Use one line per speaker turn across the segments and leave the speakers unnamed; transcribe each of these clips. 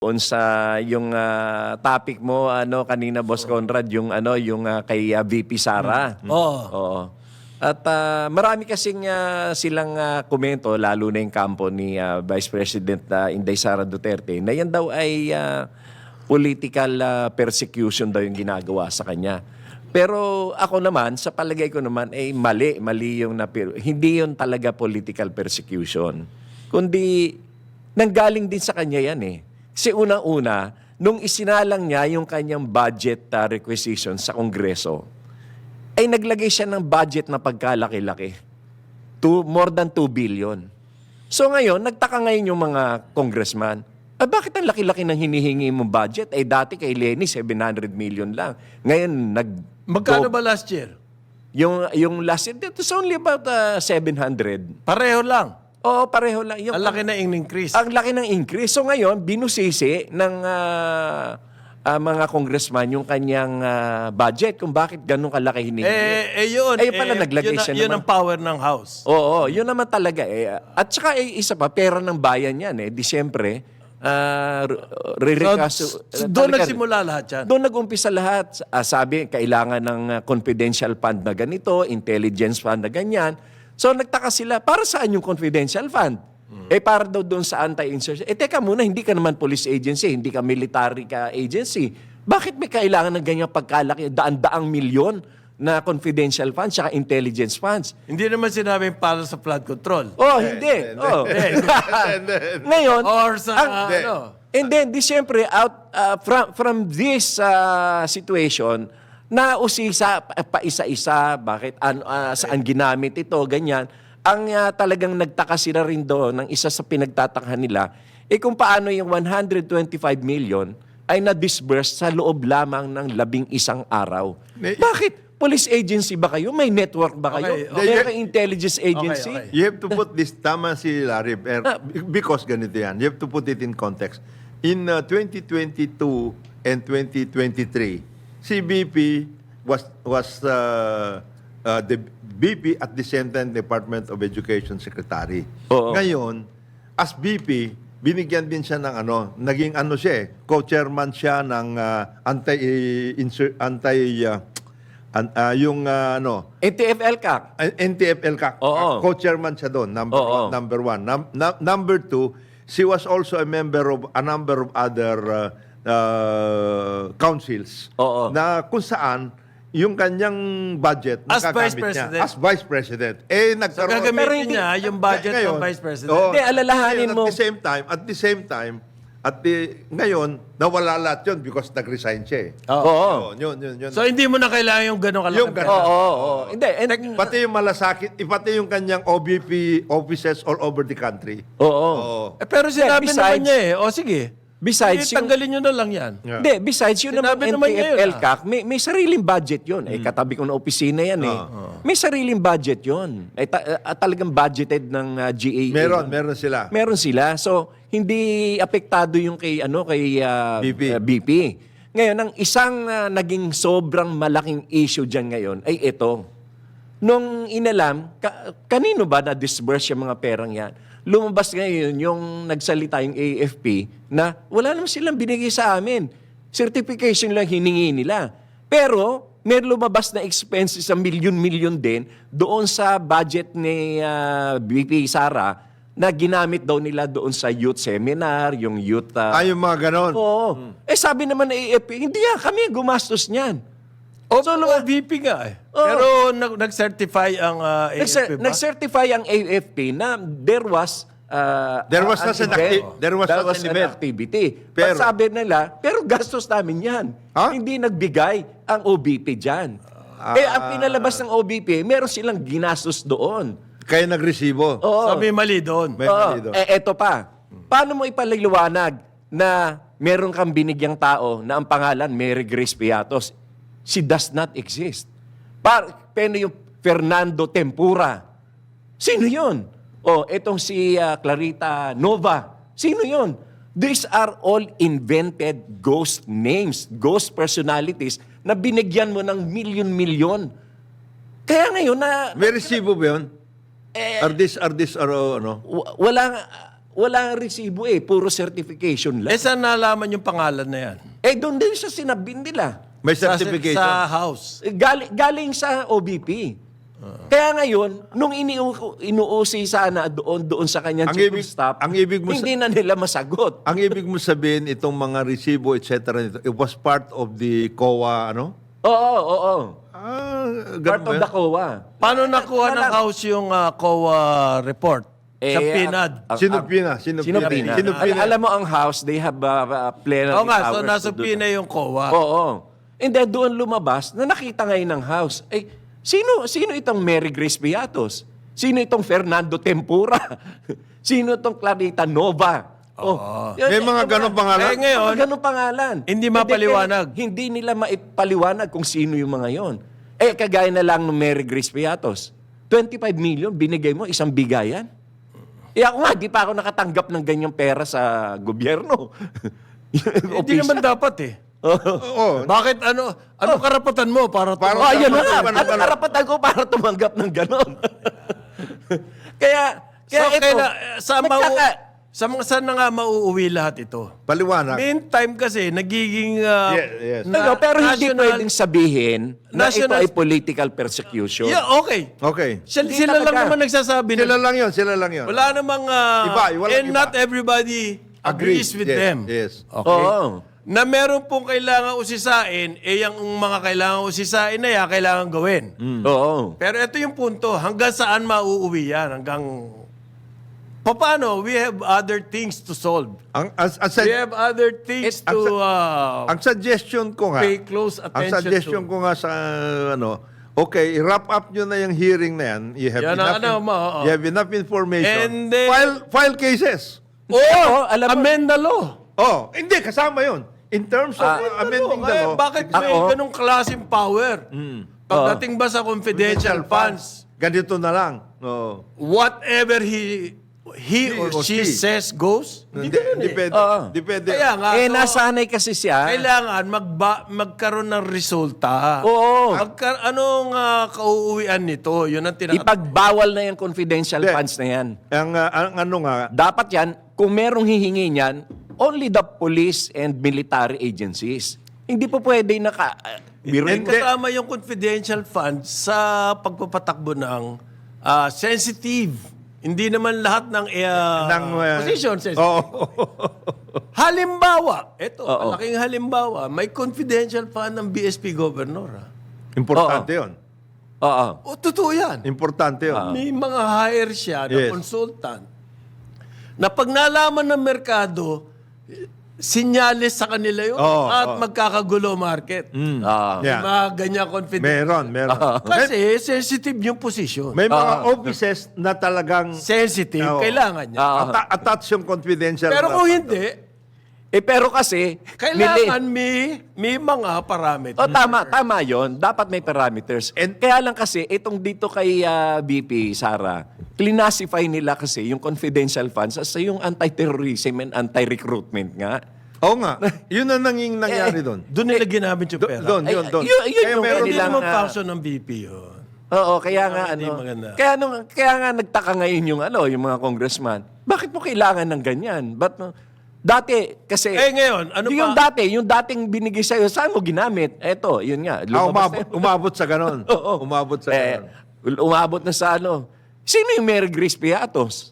On sa yung topic mo kanina Boss Conrad yung kay VP Sara. Oo. At marami kasing silang komento lalo na yung kampo ni Vice President Inday Sara Duterte na yan daw ay political persecution daw yung ginagawa sa kanya. Pero ako naman, sa palagay ko naman ay mali yung hindi yun talaga political persecution. Kundi nanggaling din sa kanya yan eh. Kasi unang-una, nung isinalang niya yung kanyang budget requisition sa Kongreso, ay naglagay siya ng budget na pagkalaki-laki. More than 2 billion. So ngayon, nagtaka ngayon yung mga congressman, bakit ang laki-laki ng hinihingi mong budget? Dati kay Lenny, 700 million lang. Ngayon,
Magkano ba last year?
Yung last year, it was only about 700.
Pareho lang.
Oo, pareho lang.
Ang laki na increase.
Ang laki ng increase. So ngayon, binusisi ng mga congressman yung kanyang budget kung bakit ganun kalaki hinihingi.
Yun.
Pala naglagay siya
yun
naman.
ang power ng House.
Oo, yun naman talaga. At saka isa pa, pera ng bayan yan. Di siyempre,
Doon nagsimula lahat yan.
Doon nag-umpisa lahat. Sabi, kailangan ng confidential fund na ganito, intelligence fund na ganyan. So nagtaka sila, para saan yung confidential fund? Para daw doon sa anti-insurgency. Teka muna, hindi ka naman police agency, hindi ka military ka agency. Bakit may kailangan ng ganyang pagkalaki, daan-daang milyon na confidential funds at intelligence funds?
Hindi naman sinabing para sa flood control.
Hindi. Ngayon,
Or sa
and then, siyempre, from this situation, nausisa pa isa-isa, bakit, saan ginamit ito, ganyan. Ang talagang nagtaka sila rin doon, ng isa sa pinagtatakhan nila, kung paano yung 125 million ay na-disburse sa loob lamang ng 11 araw. Bakit? Police agency ba kayo? May network ba kayo? Meron kayong intelligence agency?
Okay. You have to put this, tama si Larry, because ganito yan. You have to put it in context. In 2022 and 2023, si BP was the BP at the same time Department of Education Secretary.
Oo.
Ngayon, as BP, binigyan din siya ng naging siya co-chairman siya ng
NTF-ELCAC.
NTF-ELCAC.
Oo.
Co-chairman siya doon, number one. Number two, she was also a member of a number of other councils.
Oo.
Na kung saan yung kanyang budget
As
nagagamit
Vice President.
niya as Vice President.
So gagamitin niya yung budget ng Vice President.
Hindi, alalahanin mo.
At the same time, ngayon, nawala lahat yun because nag-resign siya eh.
Oo.
Yun.
So hindi mo na kailangan yung gano'ng kalaki.
Yung ganun.
Oo. Hindi.
Pati yung malasakit, pati yung kanyang OBP offices all over the country.
Oo.
Pero sinabi naman niya O sige.
Besides,
tanggalin nyo na lang yan.
Hindi, besides yun naman
Sinabi naman niya yun,
NTF-ELCAC, may sariling budget yun. Katabi ko na opisina yan May sariling budget yun. Talagang budgeted ng GAA.
Meron sila.
Meron sila. So, hindi apektado yung kay BP. Ngayon, ang isang naging sobrang malaking issue dyan ngayon ay ito. Nung inalam, kanino ba na-disburse yung mga perang yan? Lumabas ngayon yung nagsalita yung AFP na wala naman silang binigay sa amin. Certification lang hiningi nila. Pero may lumabas na expenses sa milyon-milyon din doon sa budget ni BP Sara na ginamit daw nila doon sa youth seminar, yung youth...
yung mga ganon.
Oo. Sabi naman ng AFP, hindi kami gumastos niyan.
So, VP nga Pero nag-certify ang AFP ba?
Nag-certify ang AFP na there was
such an
activity.
Pero,
sabi nila, pero gastos namin yan. Hindi nagbigay ang OBP dyan. Ang pinalabas ng OBP, meron silang ginastos doon.
Kaya nagresibo.
So, may mali doon.
Eto pa. Paano mo ipaliliwanag na meron kang binigyang tao na ang pangalan Mary Grace Piatos? She does not exist. Pero yung Fernando Tempura, sino yun? Etong si Clarita Nova, sino yun? These are all invented ghost names, ghost personalities na binigyan mo ng milyon-milyon. Kaya ngayon na...
May resibo ba yun? Are this, wala
Wala resibo puro certification lang.
Saan nalaman yung pangalan na yan?
Doon din sa sinabin nila.
May certification.
Sa house.
Galing sa OBP. Kaya ngayon, nung inuusi sana doon sa kanyang
Ang
chief of
ibig-
staff,
ang ibig mo
hindi na nila masagot.
Ang ibig mo sabihin, itong mga resibo, etc., it was part of the COA, ano?
Oo. Part
Ganun
of
ba
the
yun?
COA.
Paano nakuha ng house yung COA report? Sa PNAD.
Sinupina.
Sinupina. Alam mo ang house, they have plenary
Oo nga, so
powers
nasa
to do
PNA yung COA.
Oo. And then doon lumabas na nakita ngayon ng house. Sino itong Mary Grace Beatos? Sino itong Fernando Tempura? Sino itong Clarita Nova?
May mga ganong pangalan?
Ngayon,
Mga ganong pangalan.
hindi mapaliwanag.
Hindi nila maipaliwanag kung sino yung mga yon. Kagaya na lang ng Mary Grace Beatos. 25 million, binigay mo, isang bigayan. Ako nga, di pa ako nakatanggap ng ganyang pera sa gobyerno.
hindi naman dapat
Oo.
Bakit ano karapatan mo para
Yan na nga. Ano karapatan ko para tumanggap ng ganon? kaya ito,
saan na nga mauuwi lahat ito?
Paliwanag.
Meantime kasi, nagiging...
Yes.
pero hindi
national-
pwedeng sabihin na ito
National-
ay political persecution.
Yeah, okay.
Okay.
Sila lang
talaga.
naman nagsasabi
Sila
na
lang yun.
wala namang...
Walang
and
iba.
not everybody agrees with
Yes,
them.
Yes.
Okay?
Oo.
Na meron pong kailangan usisain, yung mga kailangan usisain na yan, kailangan gawin.
Oo.
Pero ito yung punto, hanggang saan mauuwi yan? Hanggang... Paano? We have other things to solve. We have other things to
ang suggestion ko nga,
pay close
ang
attention
suggestion
to.
ko nga sa okay, wrap up nyo na yung hearing na yan. You have,
Yan ang
you have enough information.
And then-
file cases.
alam mo-
Amend the law.
Hindi, kasama yun. In terms of amending the law.
Bakit may ganong klaseng power? Pagdating ba sa confidential funds,
Ganito na lang.
whatever he or she says goes?
Hindi pwede. Hindi pwede.
Kaya nga,
Nasanay kasi siya.
kailangan magkaroon ng resulta.
Oo.
Anong kauuwian nito? Yun ang
Ipagbawal na yung confidential
Hindi.
funds na yan.
Ang ano nga,
Dapat yan, kung merong hihingi niyan, only the police and military agencies. Hindi po pwede biruin ko.
kasama yung confidential funds sa pagpapatakbo ng sensitive. Hindi naman lahat ng position sensitive. Halimbawa, malaking halimbawa, may confidential fund ng BSP Governor.
importante yun.
Oo.
Totoo yan.
Importante yun.
May mga hire siya na
Yes.
consultant na pag nalaman ng merkado, sinyalis sa kanila yun at magkakagulo market.
Ah.
Yeah.
Mga ganyan confidential.
Meron.
Kasi sensitive yung position.
May mga offices na talagang
Sensitive,
Oo.
kailangan niya.
attach yung confidential.
Pero
na-
kung hindi,
Pero kasi,
kailangan may mga parameters.
tama yon. Dapat may parameters. And kaya lang kasi, itong dito kay BP, Sara, classify nila kasi yung confidential funds as yung anti-terrorism and anti-recruitment nga.
Oo nga. Yun ang nangyari doon.
Doon nila ginamit yung pera.
Doon.
Yun
Kaya
yung
meron
Hindi
kanilang,
naman function ng BP yun.
Oo, kaya nga
Hindi maganda.
kaya nga nagtaka ngayon yung mga congressman. Bakit mo kailangan ng ganyan? Dati kasi
Ngayon, ano
yung
pa?
yung dating binigay sa'yo, saan mo ginamit? Eto, yun nga. lumabas na yun.
umabot sa ganon.
Oo.
Umabot sa ganon.
Umabot na sa ano. Sino yung Mary Grace Beatos?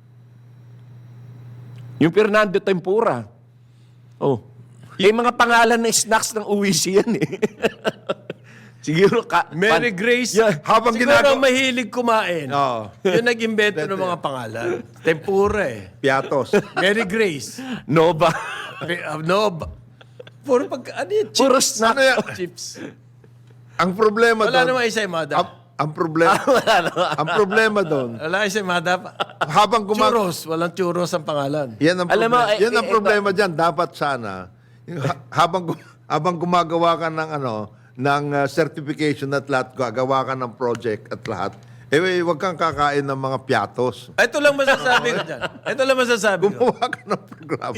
Yung Fernando Tempura. Oh. Yung mga pangalan ng snacks ng UWC yan eh. Siguro
Mary Grace,
Yeah.
Habang
siguro mahilig kumain.
Oo.
Yun nag-invento ng mga pangalan. Tempura
Piatos.
Mary Grace.
Nova.
Puro ano yun? Chips.
Puro snack.
Ano yan?
Chips.
Ang problema
Wala
doon.
namang isa yung madap.
Ang problema doon.
Wala isa yung madap.
Habang
Churros. Walang churros ang pangalan.
Yan ang
Alam mo,
problema. Yan ang
ito-
problema diyan. Dapat sana habang gumagawa ka ng certification at lahat, gagawa ka ng project at lahat. Wag kang kakain ng mga piatos.
Ito lang masasabi ko dyan. Ito lang masasabi ko.
Gumawa ka ng programa.